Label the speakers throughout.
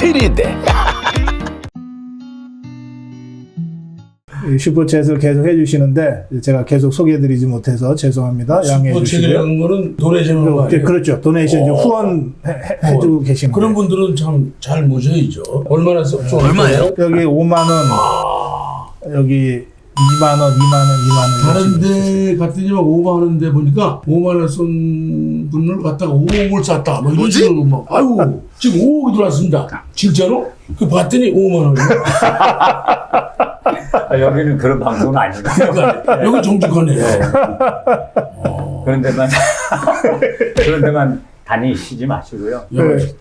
Speaker 1: 일인데.
Speaker 2: 슈퍼챗을 계속 해주시는데 제가 계속 소개해드리지 못해서 죄송합니다. 양해해 주시고요.
Speaker 3: 슈퍼챗이라는 거는 도네이션을 거 아니에요?
Speaker 2: 그렇죠. 도네이션 후원해주고 계신
Speaker 3: 그런
Speaker 2: 거예요.
Speaker 3: 분들은 참 잘 모셔야죠. 얼마나 얼마예요?
Speaker 2: 여기 5만 원, 여기 2만 원, 2만 원, 2만 원.
Speaker 3: 다른 데 갔더니 막 5만 원인데 보니까 5만 원 쏜 분을 갖다가 5억을 쐈다. 뭐 이런 식으로 막 아유 지금 5억이 들어왔습니다. 진짜로? 그 봤더니 5만 원이요.
Speaker 4: 여기는 그런 방송은 아닙니다.
Speaker 3: 그러니까 여기 정직하네.
Speaker 4: 그런 데만 다니시지 마시고요.
Speaker 3: 여기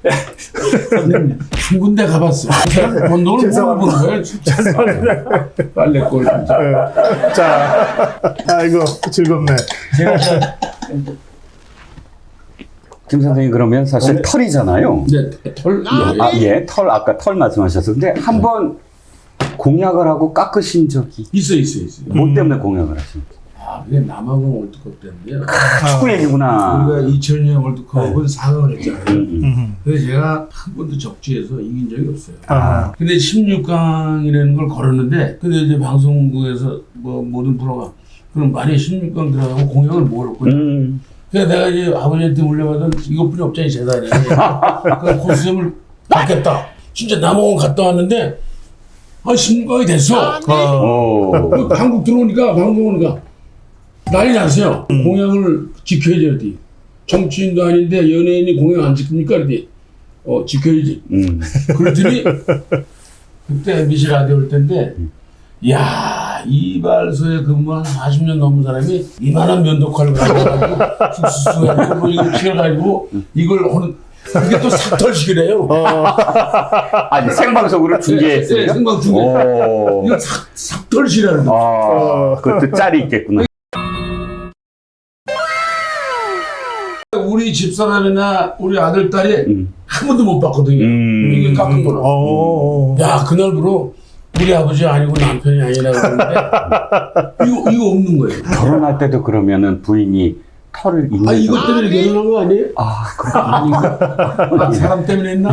Speaker 3: 한 군데 가봤어. 번 돈을 못 보는 거예요. 죄송합니다. 빨래꼴 진짜.
Speaker 2: 자, 아이고 즐겁네.
Speaker 5: 김 선생님 그러면 사실 털이잖아요.
Speaker 3: 네, 털.
Speaker 5: 예, 털 아까 털 말씀하셨는데 한번 공약을 하고 깎으신 적이
Speaker 3: 있어.
Speaker 5: 뭐 때문에 공약을 하신 거예요?
Speaker 3: 아, 그게 남아공 월드컵 때인데요.
Speaker 5: 축구 얘기구나.
Speaker 3: 우리가 2000년 월드컵은 4강을 했잖아요. 그래서 제가 한 번도 적지에서 이긴 적이 없어요. 근데 16강이라는 걸 걸었는데, 근데 이제 방송국에서 뭐 모든 프로가 그럼 만약에 16강 들어가면 공약을 뭘 할 거냐. 그래서 내가 이제 아버지한테 물려받은 이것뿐이 없잖아요, 재단이. 그 코스염을 받겠다. 진짜 남아공 갔다 왔는데, 16강이 됐어. 한국 들어오니까, 방송 오니까 난리 났어요. 공약을 지켜야지. 그랬더니. 정치인도 아닌데 연예인이 공약 안 지킵니까? 그랬더니 지켜야지. 그랬더니 그때 MBC 라디오 올 텐데 야 이발소에 근무한 40년 넘은 사람이 이만한 면도칼을 가지고 쑥쑥쑥 뭐 이걸 튀어가지고 이걸 하는 그게 또 삭털식이래요.
Speaker 5: 아니 생방송으로 중계했어요?
Speaker 3: 네, 생방 중계. 이거 삭털식이라는 거.
Speaker 5: 그것도 짤이 있겠구나.
Speaker 3: 우리 집사람이나 우리 아들, 딸이 한 번도 못 봤거든요. 이게 깎은 거라. 야, 그날부로 우리 아버지 아니고 남편이 아니라고 그러는데 이거 없는 거예요.
Speaker 5: 결혼할 때도 그러면은 부인이 털을 있는
Speaker 3: 이것 때문에 결혼한 거 아니에요?
Speaker 5: 그렇구나.
Speaker 3: 사람 때문에 했나?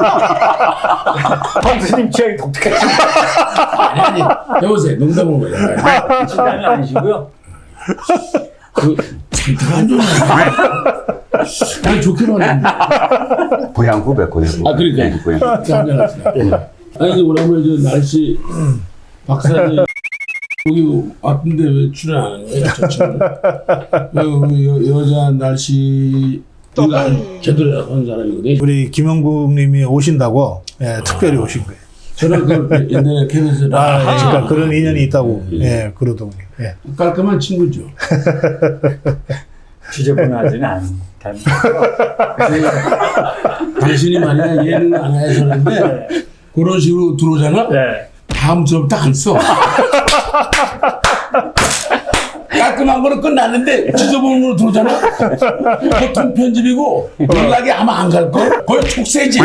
Speaker 4: 황수님 취향이 독특하지.
Speaker 3: 아니. 여보세요. 농담한 거예요.
Speaker 4: 진단은 아니시고요.
Speaker 3: 상태가 안 좋네. 아니, 좋게만 했는데.
Speaker 5: 고향 후배거든요.
Speaker 3: 그러니까.
Speaker 5: 네, 고향.
Speaker 3: 한잔합시다. 아니, 오라버니 저 날씨 박사님 여기 왔는데 왜 출연 안 하는 거예요? 저 친구. 여자 날씨 제대로 한 사람이거든요.
Speaker 2: 우리 김영국님이 오신다고 특별히 오신 거예요.
Speaker 3: 저는 그 옛날에 KBS
Speaker 2: 그러니까 그런 인연이 있다고 그러더군요.
Speaker 3: 깔끔한 친구죠.
Speaker 4: 지저분하지는 않답니다.
Speaker 3: 당신이 만약 예능 안 해서는데 그런 식으로 들어오잖아. 다음 주부터 안 써. 깔끔한 거는 끝났는데 지저분한 거로 들어오잖아. 보통 편집이고 연락이 아마 안 갈 걸. 거의 촉새지.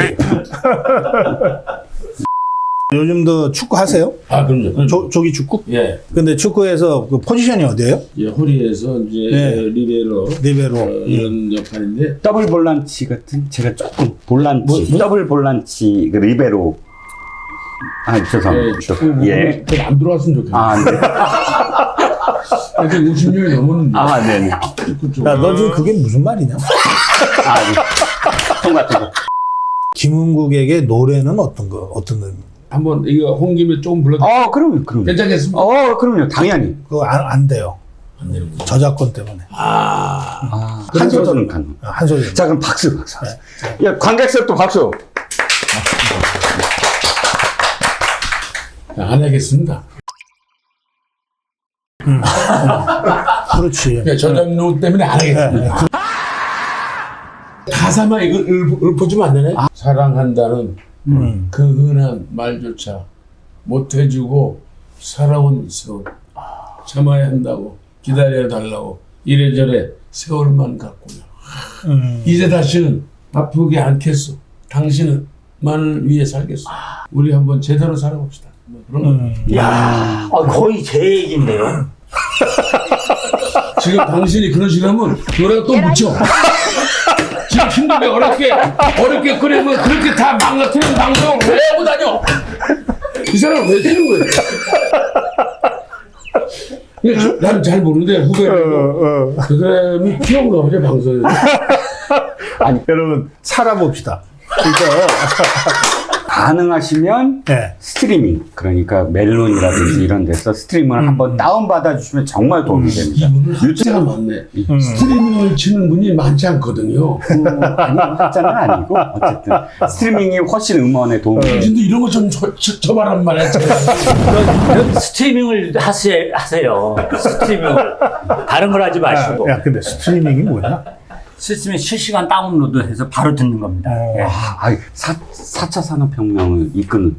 Speaker 2: 요즘도 축구 하세요?
Speaker 3: 그럼요.
Speaker 2: 조기 축구?
Speaker 3: 예.
Speaker 2: 근데 축구에서 그 포지션이 어디예요?
Speaker 3: 허리에서 이제 리베로 이런 역할인데
Speaker 5: 더블 볼란치 같은 제가 조금 볼란치 더블 볼란치 그 리베로 죄송합니다.
Speaker 3: 축구 안 들어왔으면 좋겠네.
Speaker 5: 네.
Speaker 3: 이제 50년이 넘었는데.
Speaker 5: 네네.
Speaker 3: 축구 쪽.
Speaker 2: 너 지금 그게 무슨 말이냐?
Speaker 5: 네. 통 같은 거.
Speaker 2: 김은국에게 노래는 어떤 노래?
Speaker 3: 한번 이거 홍김에 조금 불러.
Speaker 5: 그럼요.
Speaker 3: 괜찮겠습니까?
Speaker 5: 그럼요. 당연히.
Speaker 2: 그거 안 돼요.
Speaker 3: 안 되는 거.
Speaker 2: 저작권 때문에.
Speaker 5: 한 소절은 가능.
Speaker 2: 한 소절.
Speaker 5: 자, 그럼 박수. 야, 관객석도 박수.
Speaker 3: 안 하겠습니다.
Speaker 2: 그렇지.
Speaker 3: 그러니까 저작료 때문에 안 하겠습니다. 가사만 이거 읊어주면 안 되네? 사랑한다는 그 흔한 말조차 못해주고 살아온 세월 참아야 한다고 기다려 달라고 이래저래 세월만 갖고요. 이제 다시는 아프게 않겠소. 당신은 만을 위해 살겠소. 우리 한번 제대로 살아봅시다. 뭐 그런 거.
Speaker 4: 야, 거의 제 얘기인데요.
Speaker 3: 지금 당신이 그런 식으로 하면 노래가 또 묻혀. 지금 힘든데 어렵게 끓이면 그렇게 다 망가뜨리는 방송을 왜 하고 다녀? 이 사람 왜 되는 거야? 나는 잘 모르는데 후배는 그 사람이 귀여운가 보죠 방송에.
Speaker 2: 아니 여러분 살아봅시다. 그러니까
Speaker 5: 가능하시면
Speaker 2: 네.
Speaker 5: 스트리밍, 그러니까 멜론이라든지 이런 데서 스트리밍을 한번 다운받아 주시면 정말 도움이 됩니다.
Speaker 3: 이분은 학자가 많네. 스트리밍을 치는 분이 많지 않거든요.
Speaker 5: 아니, 학자는 아니고 어쨌든 스트리밍이 훨씬 음원에 도움이 됩니다.
Speaker 3: 근데 이런 거 좀 쳐봐란 말이야.
Speaker 4: 스트리밍을 하세요. 스트리밍을. 다른 걸 하지 마시고.
Speaker 2: 야 근데 스트리밍이 뭐냐?
Speaker 4: 스트리밍 실시간 다운로드해서 바로 듣는 겁니다. 예.
Speaker 5: 아, 4차 산업혁명을 이끄는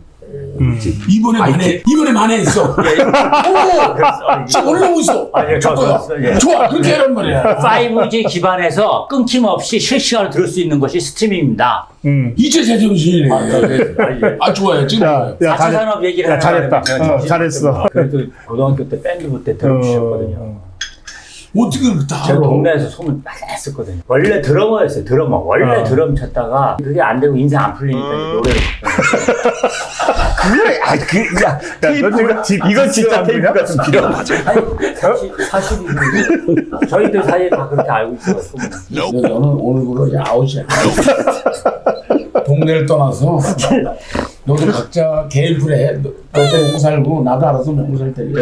Speaker 3: 이번에 만회했어. 오, 지금 올라오고 있어.
Speaker 4: 예,
Speaker 3: 좋고요.
Speaker 4: 예.
Speaker 3: 좋아, 그렇게 하란 말이야.
Speaker 4: 5G 기반에서 끊김없이 실시간으로 들을 수 있는 것이 스트리밍입니다.
Speaker 3: 이제 제정신이네.
Speaker 4: 예.
Speaker 3: 아, 좋아요. 지금 좋아요.
Speaker 4: 4차 산업 얘기를
Speaker 2: 야, 잘했다.
Speaker 4: 하려면 제가
Speaker 2: 잘했어.
Speaker 4: 그래도 고등학교 때 밴드부 때 들어주셨거든요.
Speaker 3: 어떻게 그렇게 다
Speaker 4: 제가
Speaker 3: 알아?
Speaker 4: 동네에서 소문 많이 했었거든요. 원래 드러머였어요, 드러머. 원래 드럼 쳤다가 그게 안 되고 인생 안 풀리니까 노래를.
Speaker 5: 그래, 야, 테이프가, 이건 진짜 테이프가 좀 필요하죠.
Speaker 4: 사실이 저희들 사이에 다 그렇게 알고 있어요, 소문.
Speaker 3: 너는 오늘부로 이제 아웃이야. 동네를 떠나서 너도 각자 개인 플레이 해. 너도 먹고 살고 나도 알아서 먹고 살 테니까.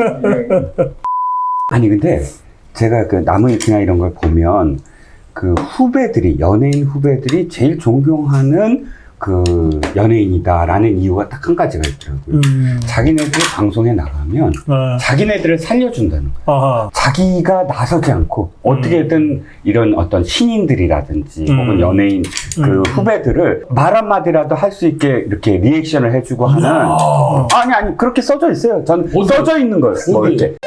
Speaker 5: 아니, 근데 제가 그 나무위키나 이런 걸 보면 그 후배들이, 연예인 후배들이 제일 존경하는 그 연예인이다라는 이유가 딱 한 가지가 있더라고요. 자기네들이 방송에 나가면 자기네들을 살려준다는 거예요.
Speaker 2: 아하.
Speaker 5: 자기가 나서지 않고 어떻게든 이런 어떤 신인들이라든지 혹은 연예인 그 후배들을 말 한마디라도 할 수 있게 이렇게 리액션을 해주고 하는. 아니 그렇게 써져 있어요. 전
Speaker 3: 어디?
Speaker 5: 써져 있는 거예요. 뭐
Speaker 3: 어디?
Speaker 5: 이렇게.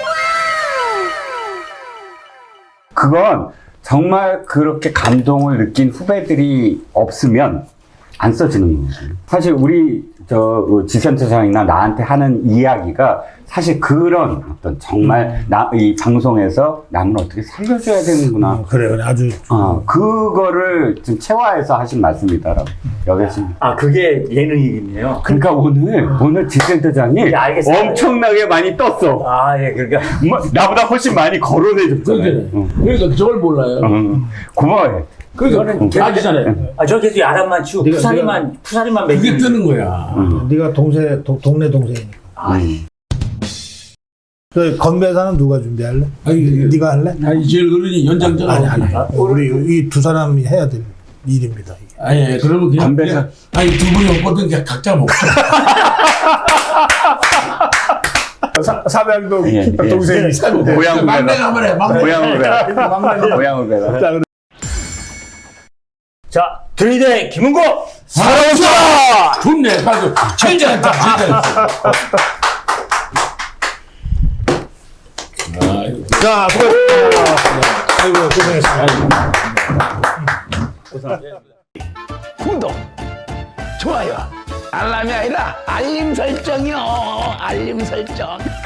Speaker 5: 그건 정말 그렇게 감동을 느낀 후배들이 없으면 안 써지는 거거든요. 사실 우리 지센터장이나 나한테 하는 이야기가 사실 그런 어떤 정말 이 방송에서 남을 어떻게 살려줘야 되는구나.
Speaker 2: 그래 아주
Speaker 5: 그거를 좀 체화해서 하신 말씀이다라고 여겨집니다.
Speaker 4: 아, 그게 예능이겠네요.
Speaker 5: 그러니까 오늘 지센터장이
Speaker 4: 예, 알겠습니다.
Speaker 5: 엄청나게 많이 떴어.
Speaker 4: 아, 예, 그러니까.
Speaker 5: 뭐, 나보다 훨씬 많이 거론해줬잖아요.
Speaker 3: 그러니까 저걸 몰라요.
Speaker 5: 고마워해.
Speaker 3: 그러니까 아시잖아요.
Speaker 4: 아, 저 계속 야단만 치고 푸사리만
Speaker 3: 그게
Speaker 4: 매기고.
Speaker 3: 뜨는 거야.
Speaker 2: 네가 동네 동생이니까. 그 건배사는 누가 준비할래? 네가 할래?
Speaker 3: 아니 제일 어른이 연장자가
Speaker 2: 아니. 우리 이 두 사람이 해야 될 일입니다. 이게.
Speaker 3: 아니 그러면 그냥
Speaker 5: 건배사.
Speaker 3: 아니 두 분이 없거든 그냥 각자 먹자.
Speaker 2: 삼양동
Speaker 5: 예.
Speaker 2: 동생이
Speaker 5: 고향
Speaker 3: 막내가 한번 해. 막내.
Speaker 5: 고향을 배라.
Speaker 4: 자, 드리대 김은고!
Speaker 3: 살아오자! 좋네. 가서 제일 잘했다. 제일 잘했어.
Speaker 2: 자, 수고하셨습니다. 아이고 고생했습니다.
Speaker 1: 구독, 좋아요, 알람이 아니라 알림 설정이요. 알림 설정.